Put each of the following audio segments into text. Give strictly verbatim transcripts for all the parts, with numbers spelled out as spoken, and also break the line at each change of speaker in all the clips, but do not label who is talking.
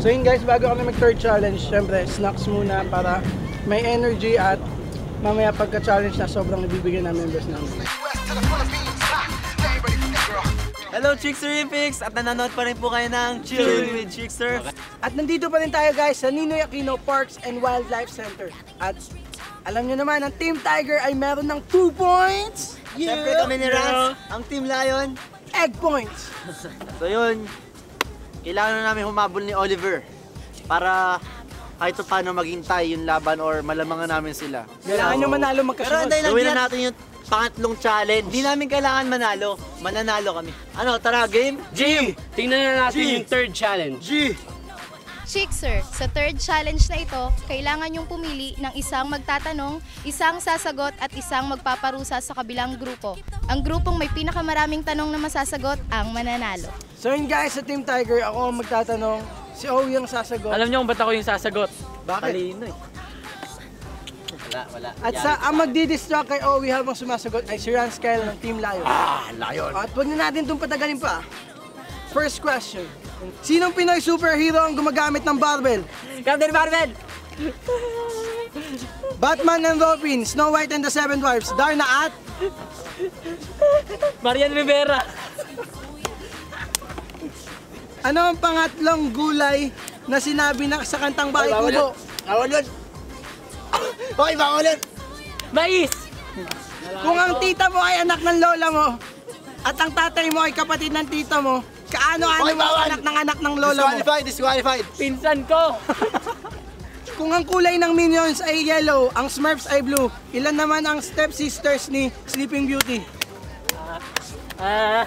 So yun guys, bago kami mag third challenge, syempre snacks muna para may energy at mamaya pagka-challenge na sobrang nabibigyan ng members namin.
Hello Chickster Picks! At nanonood pa rin po kayo ng Chillin' with Chickster.
At nandito pa rin tayo guys sa Ninoy Aquino Parks and Wildlife Center. At alam nyo naman, ang Team Tiger ay meron ng two points!
Yeah. Siyempre kami ni Rans, ang Team Lion,
egg points!
So yun, kailangan na namin humabol ni Oliver para kahit paano maging tie yung laban or malamangan namin sila.
Kailangan nyo manalo magkasunod.
Pero gawin na natin yung pangatlong challenge. Hindi namin kailangan manalo, mananalo kami. Ano, tara game?
G! Tingnan na natin
G.
yung third challenge.
G!
Chickster, sa third challenge na ito, kailangan yung pumili ng isang magtatanong, isang sasagot at isang magpaparusa sa kabilang grupo. Ang grupong may pinakamaraming tanong na masasagot ang mananalo.
So yun guys, sa Team Tiger, ako ang magtatanong, si Owie ang sasagot.
Alam niyo kung ba't ako yung sasagot?
Bakit?
Talino eh. Wala, wala.
At sa ang magdi-distract kay Owie habang sumasagot ay si Rans Kyle ng Team Lion.
Ah, Lion!
At huwag na natin itong patagalin pa. First question. Sinong Pinoy superhero ang gumagamit ng barbell?
Captain Marvel!
Batman and Robin, Snow White and the Seven Dwarfs, Darna at...
Marian Rivera!
Ano ang pangatlong gulay na sinabi na sa kantang Bahay Kubo?
Bawal yun! Okay, bawal yun!
Mais!
Kung ang tita mo ay anak ng lola mo at ang tatay mo ay kapatid ng tita mo, kaano-ano
Hoy,
mo
bawal!
anak ng anak ng lola mo?
Disqualified, disqualified!
Pinsan ko!
Kung ang kulay ng Minions ay yellow, ang Smurfs ay blue, ilan naman ang stepsisters ni Sleeping Beauty?
Ah...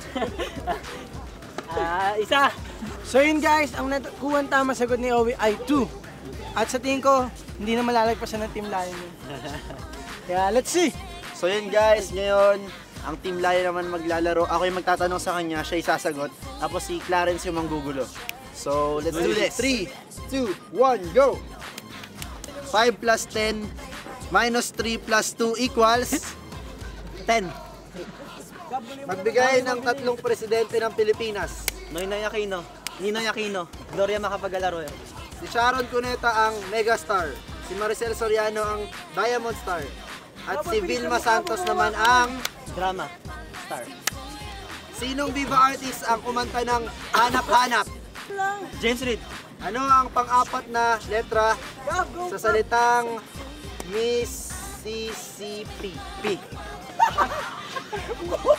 Ah, isa!
So yun guys, ang nakuha tama sagot ni Owie ay two. At sa tingin ko, hindi na malalagpasan ng Team Lion yun. Kaya let's see!
So yun guys, ngayon, ang Team Lion naman maglalaro. Ako yung magtatanong sa kanya, siya yung sasagot. Tapos si Clarence yung manggugulo. So, let's do this. three, two, one, go! five plus ten minus three plus two equals ten. Magbigay ng tatlong presidente ng Pilipinas.
Noynoy Aquino, Ninoy Aquino, Gloria Macapagal Arroyo.
Si Sharon Cuneta ang megastar. Si Maricel Soriano ang diamond star. At si Vilma Santos naman ang
Drama Star.
sinong Viva artist ang kumanta ng Hanap-Hanap?
James Reid.
Ano ang pang-apat na letra sa salitang Mississippi? P.